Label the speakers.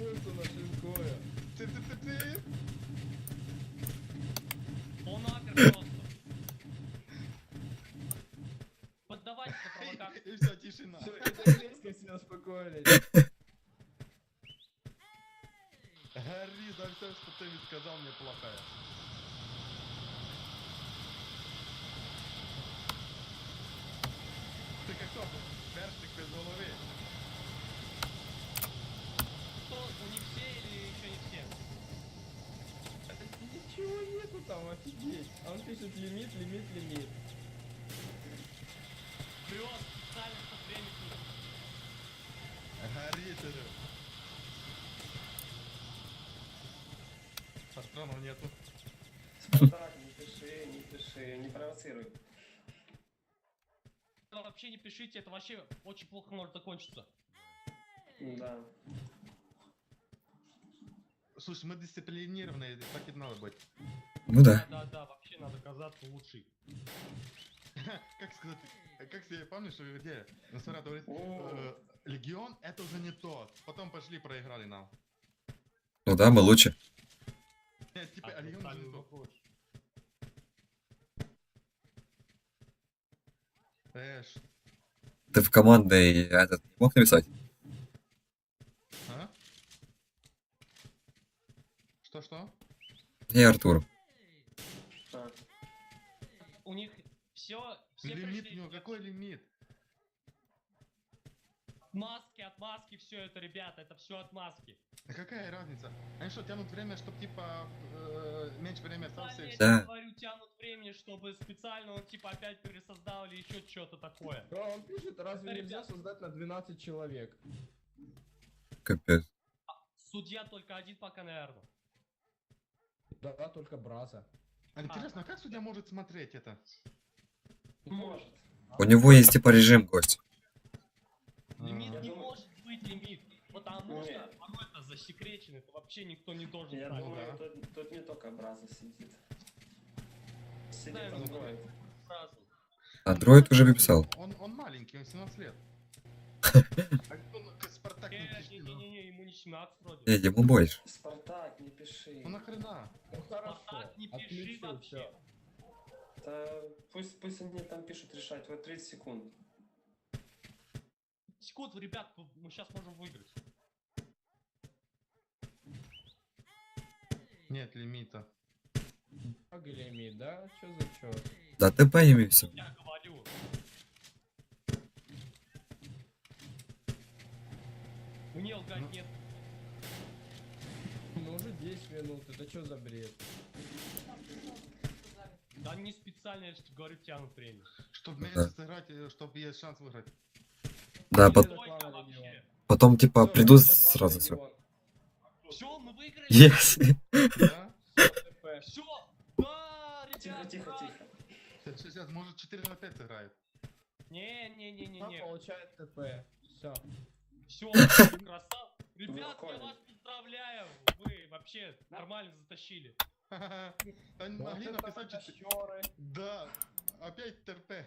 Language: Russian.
Speaker 1: Пусто нашинкує.
Speaker 2: Цып-цып-цып-цып.
Speaker 3: Он апер просто. Поддавайте на провокацию.
Speaker 2: И все, тишина.
Speaker 1: Все, это резко все успокоились.
Speaker 2: Гори за все, что ты сказал мне плохое. Ты как кто? Першик без головы.
Speaker 3: Кто, у них все или еще не все?
Speaker 1: Ничего нету там, офигеть. А он пишет лимит, лимит, лимит.
Speaker 3: Врет, специально, чтобы время тянуть.
Speaker 2: Гори ты. Патронов нету.
Speaker 4: Спартак, не пиши, не провоцируй.
Speaker 3: Вообще не пишите, это вообще очень плохо может закончиться.
Speaker 4: Да.
Speaker 2: Слушай, мы дисциплинированные, так и надо быть.
Speaker 5: Ну да.
Speaker 3: Да, вообще надо казаться лучший.
Speaker 2: Как сказать, как себе помнишь, где Носферату говорит,
Speaker 4: О.
Speaker 2: Легион это уже не то. Потом пошли проиграли нам.
Speaker 5: Ну да, мы лучше.
Speaker 2: Нет, типа, Легион уже не то. Эш,
Speaker 5: Ты в командной этот не мог написать?
Speaker 2: а? Что?
Speaker 5: Не, Артур.
Speaker 4: А.
Speaker 3: У них все
Speaker 2: Лимит,
Speaker 3: пришли.
Speaker 2: ну какой лимит?
Speaker 3: Отмазки, все это, ребята, это все отмазки.
Speaker 2: А какая разница? Они что, тянут время, чтобы типа меньше времени осталось?
Speaker 3: Я
Speaker 2: и всё?
Speaker 5: Да.
Speaker 3: тебе говорю, тянут времени, чтобы специально он типа опять пересоздал или еще что-то такое.
Speaker 1: Да, он пишет, разве
Speaker 3: Это,
Speaker 1: нельзя
Speaker 3: ребят.
Speaker 1: создать на 12 человек?
Speaker 5: Капец.
Speaker 3: Судья только один пока, наверное.
Speaker 1: Да, только Браза.
Speaker 2: А интересно, а как судья может смотреть это?
Speaker 4: Может.
Speaker 5: У него есть типа режим гость.
Speaker 3: Лимит
Speaker 4: Я
Speaker 3: не
Speaker 4: думаю-
Speaker 3: может быть лимит. Потому что
Speaker 4: Нет.
Speaker 3: оно это засекречено, это вообще никто не должен
Speaker 4: Я
Speaker 3: знать.
Speaker 4: думаю,
Speaker 2: да.
Speaker 4: тут не только Браза сидит. Сидит
Speaker 3: Да,
Speaker 4: Android.
Speaker 3: Сразу.
Speaker 5: Андроид уже написал.
Speaker 2: Он маленький, он 17 лет. А ну, Спартак не пишет, ну.
Speaker 3: Не-не-не, ему не 17 вроде.
Speaker 5: Не, ему больше.
Speaker 4: Спартак, не пиши.
Speaker 2: Ну нахрена?
Speaker 1: Ну хорошо,
Speaker 3: Спартак, не пиши
Speaker 1: отключил
Speaker 3: вообще.
Speaker 1: все.
Speaker 4: Да, пусть они там пишут решать. Вот 30 секунд.
Speaker 3: Секунд, ребят, мы сейчас можем выиграть.
Speaker 2: Нет лимита.
Speaker 1: Баг или лимит, да? Чё за чё?
Speaker 5: Да ТП ими все.
Speaker 3: Я говорю. Мне лгать
Speaker 2: Ну.
Speaker 3: нет.
Speaker 1: Ну уже 10 минут, это что за бред?
Speaker 3: Да не специально, я же говорю, тянут время.
Speaker 2: Чтобы
Speaker 5: Да.
Speaker 2: меньше сыграть, чтобы есть шанс выиграть.
Speaker 5: Да,
Speaker 1: Победа
Speaker 3: Тройка
Speaker 1: клана
Speaker 3: вообще.
Speaker 1: Легион.
Speaker 5: потом типа
Speaker 1: Всё,
Speaker 5: придут
Speaker 1: победа клана
Speaker 5: сразу все.
Speaker 1: Легион.
Speaker 3: Все, мы выиграли.
Speaker 5: Yes.
Speaker 2: Да?
Speaker 1: ТП.
Speaker 3: Все. Да,
Speaker 4: Тихо,
Speaker 3: ребят.
Speaker 4: тихо,
Speaker 3: ура!
Speaker 4: тихо.
Speaker 2: Сейчас, может 4 на 5 сыграет.
Speaker 1: Она
Speaker 3: Не-не-не-не-не.
Speaker 1: получает ТП. Все.
Speaker 3: Все, красав. Ребят, я
Speaker 4: Прикольно.
Speaker 3: вас поздравляю. Вы вообще нормально затащили.
Speaker 2: Они могли написать 4. Да, опять ТРП.